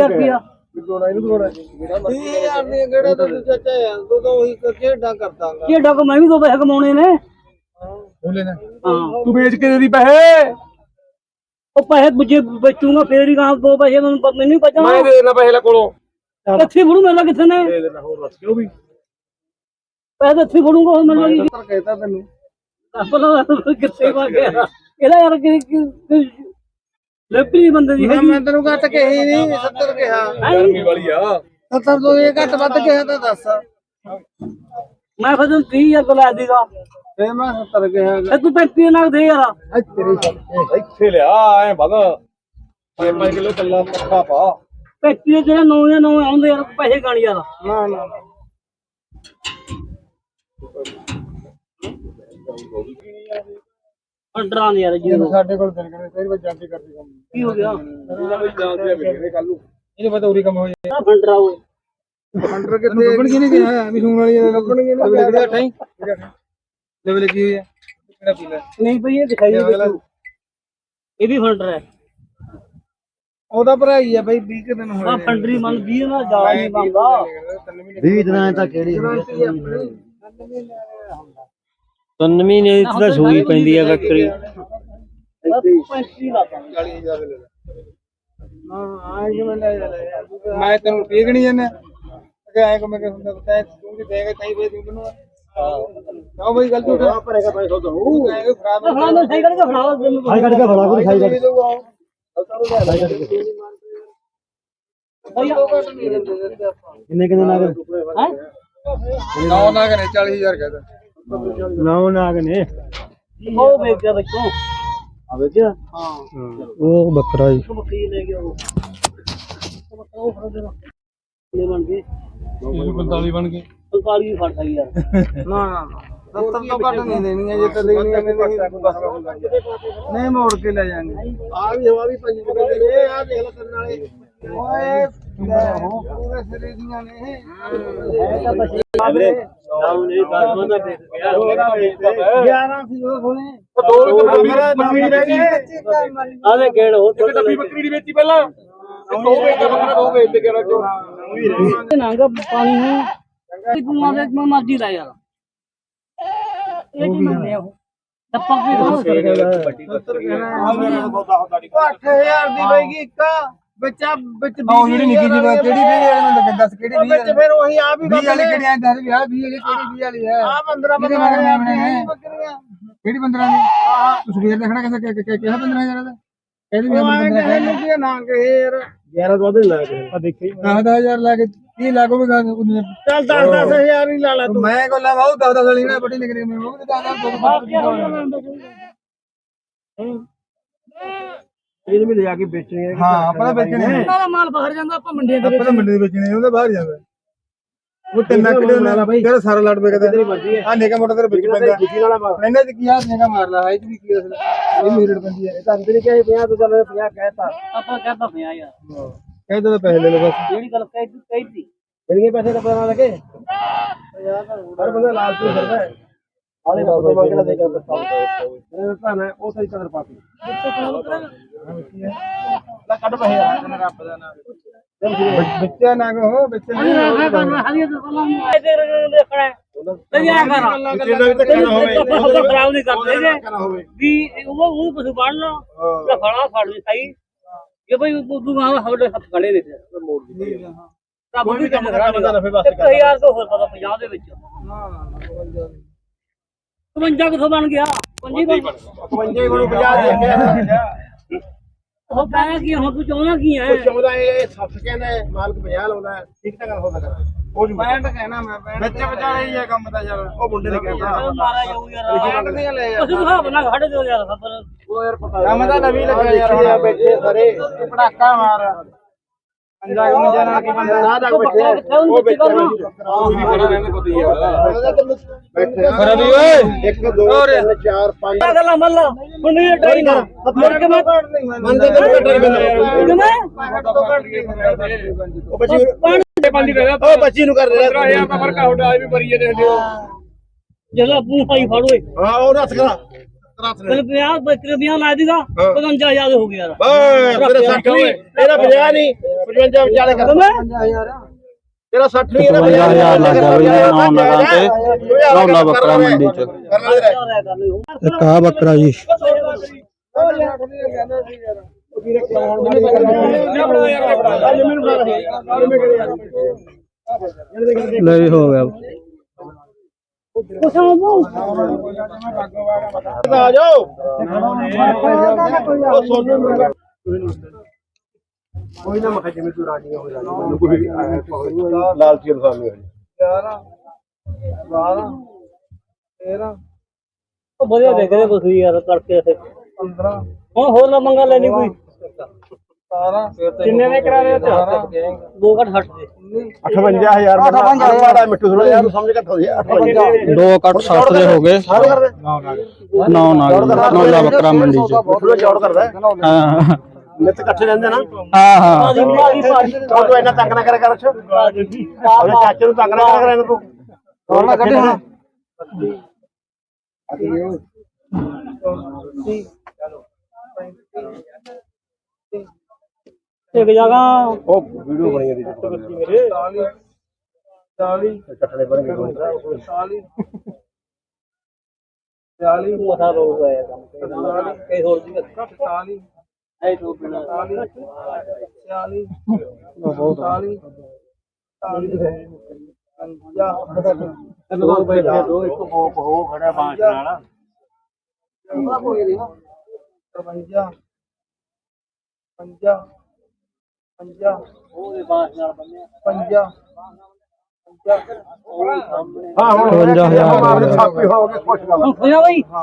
30000 ਰੁਪਇਆ ਦੋੜਾ ਇਹਨੂੰ ਦੋੜਾ 30000 ਨੇ ਕਿਹੜਾ ਤੂੰ ਚਾਚਾ ਯਾਰ ਤੂੰ ਤਾਂ ਉਹੀ ਖੇਡਾਂ ਕਰਦਾਂਗਾ ਇਹ ਡੱਕ ਮੈਂ ਵੀ 2 ਪੈਸੇ ਕਮਾਉਣੇ ਨੇ ਬੋਲੇ ਨਾ ਹਾਂ ਤੂੰ ਵੇਚ ਕੇ ਦੇ ਦੀ ਪੈਸੇ ਉਹ ਪੈਸੇ ਬੁੱਝੇ ਵੇਚੂਗਾ ਫੇਰ ਹੀ ਕਹਾਂ 2 ਪੈਸੇ ਮੈਨੂੰ ਹੀ ਬਚਣਾ ਮੈਂ ਦੇ ਦੇਣਾ ਪੈਸੇ ਲੈ ਕੋਲੋਂ ਕਿੱਥੇ ਫੜੂ ਮੇਰਾ ਕਿੱਥੇ ਨੇ ਦੇ ਦੇਣਾ ਹੋਰ ਦੱਸ ਕਿਉਂ ਵੀ ਪੈਸੇ ਇੱਥੇ ਫੜੂਗਾ ਹੋਰ ਮੈਨੂੰ ਕੀ ਕਹਿਤਾ ਤੈਨੂੰ ਆਪਣਾ ਕਿੱਥੇ ਵਾ ਗਿਆ ਇਹਦਾ ਯਾਰ ਕਿ ਲੱਭੀ ਬੰਦੇ ਦੀ ਮੈਂ ਤੈਨੂੰ ਘੱਟ ਕਹੀ ਨਹੀਂ 70 ਕਿਹਾ ਗਰਮੀ ਵਾਲੀ ਆ 70 ਤੋਂ ਇਹ ਘੱਟ ਵੱਧ ਕਿਹਾ ਤਾਂ ਦੱਸ ਮੈਂ ਫਿਰ 30000 ਤੋਂ ਲੈ ਦੇਗਾ ਫੇਰ ਮੈਂ 70 ਕਿਹਾ ਤੇ ਤੂੰ 35 ਨਾਲ ਦੇ ਯਾਰ ਇੱਥੇ ਲਿਆ ਐ ਵਗ 5 ਕਿਲੋ ਕੱਲਾ ਪੱਕਾ ਪਾ 35 ਜਿਹੜਾ 9 ਜਾਂ 9 ਆਉਂਦੇ ਯਾਰ ਪੈਸੇ ਗਾਣ ਯਾਰ ਨਾ ਨਾ ਅੰਡਰਾਂ ਦੇ ਯਾਰ ਜੀ ਸਾਡੇ ਕੋਲ ਦਿਨ ਕਰੇ ਫੇਰ ਜਾਂਦੀ ਕਰਦੀ ਕੰਮ ਕੀ ਹੋ ਗਿਆ ਕੱਲ ਨੂੰ ਇਹਨੇ ਪਤਾ ਉਰੀ ਕੰਮ ਹੋ ਜਾਏ ਆ ਫੰਡਰਾ ਓਏ ਅੰਡਰ ਕਿੱਥੇ ਲੱਭਣ ਕੀ ਨਹੀਂ ਗਿਆ ਵੀ ਸੂਣ ਵਾਲੀ ਲੱਭਣਗੇ ਨਾ ਕਿਹੜਾ ਠਾਈ ਲੈਵਲ ਕੀ ਹੋਇਆ ਕਿਹੜਾ ਪੀਲਾ ਨਹੀਂ ਭਈ ਇਹ ਦਿਖਾਈ ਦੇ ਤੂੰ ਇਹ ਵੀ ਫੰਡਰ ਹੈ ਉਹਦਾ ਭਰਾ ਹੀ ਆ ਬਈ 20 ਦਿਨ ਹੋਏ ਆ ਫੰਡਰੀ ਮਨ 20 ਨਾਲ ਜਾ ਨਹੀਂ ਮੰਗਦਾ 20 ਦਿਨਾਂ ਤਾਂ ਕਿਹੜੀ 3 ਮਹੀਨੇ ਦੀ ਤਾਂ ਸੂਈ ਪੈਂਦੀ ਆ ਬੱਕਰੀ 35 ਲਾਤਾ 40000 ਦੇ ਲੈ ਹਾਂ ਆ ਕਿ ਮੈਂ ਲੈ ਮੈਂ ਤੈਨੂੰ ਠੀਕ ਨਹੀਂ ਜਾਂਦਾ ਕਿ ਐ ਕੋ ਮੈਂ ਕਿ ਹੁੰਦਾ ਤੈਂ ਤੂੰ ਵੀ ਦੇਗਾ ਤਾਈ ਵੇ ਤੂੰ ਨੂੰ ਨਾ ਬਈ ਗਲਤੀ ਉਠਾ ਭਰੇਗਾ ਪੈਸਾ ਤਾਂ ਉਹ ਖਰਾਬ ਫੜਾ ਦੇ ਸਹੀ ਕਰਕੇ ਫੜਾ ਸਾਈ ਕੱਢ ਕੇ ਫੜਾ ਕੋਈ ਸਾਈ ਕੱਢ ਕਿੰਨੇ ਕਿੰਨੇ ਨਾਗ ਹੈ ਨਾ ਨਾ ਕਰੇ 40000 ਕਹਦਾ ਨੌ ਨਾਗ ਨੇ ਉਹ ਵੇਚ ਗਿਆ ਬੱਚੋਂ ਆ ਵੇਖਿਆ ਹਾਂ ਉਹ ਬੱਕਰਾ ਜੀ ਉਹ ਬੱਕਰੀ ਲੈ ਗਿਆ ਉਹ ਬੱਕਰਾ ਉਹ ਫੜ ਦੇਣਾ ਲੈ ਬਣ ਗਏ 45 ਬਣ ਗਏ 45 ਵੀ ਫੜ ਗਈ ਯਾਰ ਨਾ ਨਾ 70 ਤੋਂ ਘੱਟ ਨਹੀਂ ਦੇਣੀਆਂ ਜੇ ਤਾਂ ਦੇਣੀਆਂ ਨੇ ਬਸ ਨਹੀਂ ਮੋੜ ਕੇ ਲੈ ਜਾਾਂਗੇ ਆ ਵੀ ਹਵਾ ਵੀ ਪੰਜ ਰੁਪਏ ਦੇ ਆ ਦੇਖ ਲੈ ਤੇਰੇ ਨਾਲੇ ਓਏ ਪੂਰੇ ਸਰੀਰ ਦੀਆਂ ਨੇ ਹੈ ਤਾਂ ਬੱਚੇ ਆਵਰੇ ਨਾਉ ਨਹੀਂ ਕਰਮਾ ਦਾ ਦੇਖ ਗਿਆ 11 ਸੀ ਉਹ ਸੋਨੇ ਦੋ ਬੱਕਰੀ ਰਹਿ ਗਈ ਆਲੇ ਗੇੜ ਹੋ ਇੱਕ ਡੱਬੀ ਬੱਕਰੀ ਦੀ ਵੇਚੀ ਪਹਿਲਾਂ ਦੋ ਵੇਚ ਬੱਕਰਾ ਦੋ ਵੇਚ ਕੇ ਰੱਖੋ ਨਾਂਗਾ ਪਾਣੀ ਹੈ ਤੂੰ ਆਵੇ ਮੈਂ ਮਰਜ਼ੀ ਲੈ ਯਾਰ ਇਹ ਕੀ ਮੰਨੇ ਉਹ ਟੱਪਾ ਵੀ ਦੋ 8000 ਦੀ ਪਏਗੀ ਇੱਕ ਬੱਚਾ ਵਿੱਚ ਆਹ ਜਿਹੜੀ ਨਿੱਕੀ ਜਿਹੀ ਕਿਹੜੀ ਵੀ ਇਹਨਾਂ ਦਾ ਦੱਸ ਕਿਹੜੀ ਵਿੱਚ ਫਿਰ ਉਹੀ ਆ ਵੀ 20 ਵਾਲੀ ਕਿਹੜੀ ਆ ਦੱਸ ਵੀ ਆ 20 ਵਾਲੀ ਕਿਹੜੀ 20 ਵਾਲੀ ਹੈ ਆ 15 ਦੀ ਬੱਕਰੀਆਂ ਕਿਹੜੀ 15 ਦੀ ਤੂੰ ਸਵੇਰ ਦੇਖਣਾ ਕਿਹਾ 15000 ਦਾ ਕਹਿੰਦੀ ਮੈਂ 15 ਕਹਿੰਦੇ ਨਾ ਕਹੇ ਯਾਰ 11 ਤੋਂ ਵੱਧ ਲਾ ਕੇ ਆ ਦੇਖੀ 10000 ਲਾ ਕੇ 30 ਲੱਖ ਹੋ ਗਿਆ ਚੱਲ 10,000 ਹੀ ਲਾ ਲਾ ਤੂੰ ਮੈਂ ਕੋਲ ਲਾ ਬਾਉ 10 ਵਾਲੀ ਨਾ ਬੜੀ ਨਿਕਲੀ ਮੈਂ ਉਹ 10 ਇਹਨੂੰ ਵੀ ਲਿਜਾ ਕੇ ਵੇਚਣੇ ਆ ਹਾਂ ਆਪਾਂ ਤਾਂ ਵੇਚਣੇ ਆ ਦਾ ਮਾਲ ਬਾਹਰ ਜਾਂਦਾ ਆਪਾਂ ਮੰਡੀਆਂ ਦੇ ਆਪਾਂ ਤਾਂ ਮੰਡੀ ਦੇ ਵੇਚਣੇ ਉਹਦੇ ਬਾਹਰ ਜਾਂਦਾ ਉਹ 3 ਲੱਖ ਦੇ ਨਾਲ ਬਾਈ ਤੇਰਾ ਸਾਰਾ ਲੜ ਵੇਚਦਾ ਆ ਨੇਗਾ ਮੋਟਾ ਤੇਰੇ ਵਿੱਚ ਪੈਂਦਾ ਇਹਨਾਂ ਚ ਕੀ ਆ ਨੇਗਾ ਮਾਰ ਲਾ ਇਹ ਵੀ ਕੀ ਇਹ ਮੀਰੜ ਪੈਂਦੀ ਹੈ ਇਹ ਤਾਂ ਅੰਦਰ ਹੀ ਕਿਹਾ 50 ਤੋਂ ਚੱਲ 50 ਕਹਿਤਾ ਆਪਾਂ ਕਹਿੰਦਾ ਪਿਆ ਯਾਰ ਕਹਿੰਦਾ ਤਾਂ ਪੈਸੇ ਲੈ ਲਓ ਬਸ ਜਿਹੜੀ ਗੱਲ ਕਹਿਤੀ ਕਿੰਨੇ ਪੈਸੇ ਦਾ ਪਤਾ ਨਾ ਲੱਗੇ ਹਰ ਬੰਦਾ ਲਾਲਚੀ ਫਿਰਦਾ ਹੈ ਆਲੇ ਦਾ ਤੋਂ ਮੰਗਣਾ ਦੇ ਕੇ ਬਸ ਭਾਣਾ ਉਹ ਸਹੀ ਕਦਰ ਪਾਤੀ ਲੈ ਕੱਢ ਪੈਸੇ ਆ ਰੱਬ ਦਾ ਨਾਮ ਬੱਚਾ ਨਾ ਹੋ ਬੱਚੇ ਨਹੀਂ ਹਰੀਏ ਤੋਂ ਸਲਾਮ ਇਹਦੇ ਦੇਖਣਾ ਤੇ ਯਾ ਕਰ ਕਿੰਨਾ ਵੀ ਧੱਕਾ ਨਾ ਹੋਵੇ ਖਰਾਬ ਨਹੀਂ ਕਰਦੇ ਜੇ ਵੀ ਉਹ ਕੁਝ ਬਣ ਲਾ ਤੇ ਫੜਾ ਫੜ ਲਈ ਸਹੀ ਕਿ ਭਾਈ ਤੂੰ ਆ ਸਾਡੇ ਹੱਥ ਖੜੇ ਨੇ ਮੋੜ ਦੀ ਤਾਂ ਬੜੀ ਕੰਮ ਕਰਾਂਗਾ 1000 ਤੋਂ ਹੋਰ ਪਤਾ 50 ਦੇ ਵਿੱਚ ਨਾ 52 ਕਿਥੋਂ ਬਣ ਗਿਆ 55 55 ਕੋਲੋਂ 50 ਦੇ ਗਿਆ ਉਹ ਕਹਿੰਦਾ ਕੀ ਹੁਣ ਤੂੰ ਚਾਹੁੰਦਾ ਕੀ ਹੈ ਚਾਹੁੰਦਾ ਇਹ 60 ਕਹਿੰਦਾ ਮਾਲਕ 50 ਲਾਉਂਦਾ ਠੀਕ ਤਾਂ ਗੱਲ ਹੋ ਸਕਦਾ ਉਹ ਜੂ 65 ਕਹਿਣਾ ਮੈਂ ਬੱਚੇ ਵਿਚਾਰੇ ਹੀ ਆ ਕੰਮ ਤਾਂ ਯਾਰ ਉਹ ਮੁੰਡੇ ਨੇ ਕਹਿੰਦਾ ਮਾਰਾ ਜਾਊ ਯਾਰ 65 ਦੀਆਂ ਲੈ ਉਸ ਨੂੰ ਹਿਸਾਬ ਨਾਲ ਖੜੇ ਦਿਓ ਯਾਰ ਖਬਰ ਉਹ ਯਾਰ ਪਤਾ ਕੰਮ ਤਾਂ ਨਵੀਂ ਲੱਗਿਆ ਯਾਰ ਹੁਣ ਬੈਠੇ ਸਾਰੇ ਪਟਾਕਾ ਮਾਰ ਪੰਜਾ ਮੁੰਜਾ ਨਾਲ ਕੀ ਬੰਦਾ ਨਾ ਜਾ ਬੈਠੇ ਉਹ ਬੱਚੇ ਕਰਨਾ ਵੀ ਖੜਾ ਰਹਿੰਦਾ ਪਤਾ ਯਾਰ ਬੈਠੇ ਖੜਾ ਵੀ ਓਏ 1 2 3 4 5 ਗੱਲਾਂ ਮੰਨ ਲਾ ਹੁਣ ਇਹ ਟਰਾਈ ਕਰ ਮੁੜ ਕੇ ਮੈਂ ਮੰਨਦੇ ਤੇ ਕੱਟਰ ਬੰਦਾ ਉਹ ਬੱਚੀ ਪਾਣੀ ਉਹ ਬੱਚੀ ਨੂੰ ਕਰ ਦੇ 15000 ਦਾ ਫਰਕ ਆਉਦਾ ਵੀ ਮਰੀ ਜਾਂਦੇ ਜਿਹੜਾ ਪੂੰ ਪਾਈ ਫੜ ਓਏ ਹਾਂ ਉਹ ਰੱਖ ਕਰਾ चल 50 ला देगा 55,000 हो गया यार बस तेरा 60 नहीं तेरा 50 नहीं 55 विचाले कर तेरा 60 नहीं 55,000 ਲੱਗ ਗਿਆ ਬਈ 9 ਨਗਾਂ ਤੇ ਰੌਲਾ ਬੱਕਰਾ ਮੰਡੀ ਚ ਇੱਕ ਆ ਬੱਕਰਾ ਜੀ ਲੈ ਵੀ ਹੋ ਗਿਆ आ जाओ ओ सोनू कोई ना मखा जिम्मे तू रानी हो जानी कोई लाल चीर सामने 11 12 13 ਉਹ ਵਧੀਆ ਦੇਖ ਰਹੇ ਤੁਸੀਂ ਯਾਰ ਕਰਕੇ ਇੱਥੇ 15 ਹੁਣ ਹੋਰ ਨਾ ਮੰਗਾ ਲੈਣੀ ਕੋਈ 17 ਕਿੰਨੇ ਦੇ ਕਰਾ ਰਹੇ ਹੋ ਦੋ ਘੱਟ 60 ਦੇ 58000 58 ਮਿੱਠੂ ਥੋੜਾ ਯਾਰ ਸਮਝ ਘੱਟ ਹੋ ਗਿਆ 58 2 ਕੱਟ 60 ਦੇ ਹੋ ਗਏ 9 ਨੌਲਾ ਬੱਕਰਾ ਮੰਡੀ ਚ ਮਿੱਠੂ ਚੌੜ ਕਰਦਾ ਹਾਂ ਨਿੱਤ ਇਕੱਠੇ ਰਹਿੰਦੇ ਨਾ ਹਾਂ ਹਾਂ ਤੂੰ ਇੰਨਾ ਤੰਗ ਨਾ ਕਰ ਉਹਦੇ ਚਾਚੇ ਨੂੰ ਤੰਗ ਨਾ ਕਰ ਇਹਨਾਂ ਤੂੰ ਹੋਰ ਨਾ ਕੱਢੇ ਹੁਣ ਇੱਕ ਜਗ੍ਹਾ ਉਹ ਵੀਡੀਓ ਬਣੀ ਇਹਦੀ 40 40 ਇਕੱਠੇ ਬਣ ਗਏ 40 40 ਮਸਾ ਰੋਜ਼ ਆਇਆ ਕੰਮ ਕਈ ਹੋਰ ਜੀ 40 ਐ ਤੋਂ ਬਿਨਾ 40 40 40 ਦੋ ਬੈਠੇ ਦੋ ਇੱਕ ਬੋਕ ਹੋ ਖੜਾ ਬਾਂਸ ਨਾਲ 55 50 50 ਉਹਦੇ ਬਾਸ ਨਾਲ ਬੰਨਿਆ 50 ਹਾਂ ਹੁਣ 55000 ਛਾਪੀ ਹੋ ਕੇ ਖੁਸ਼ ਗੱਲ ਹੁਣ ਬਈ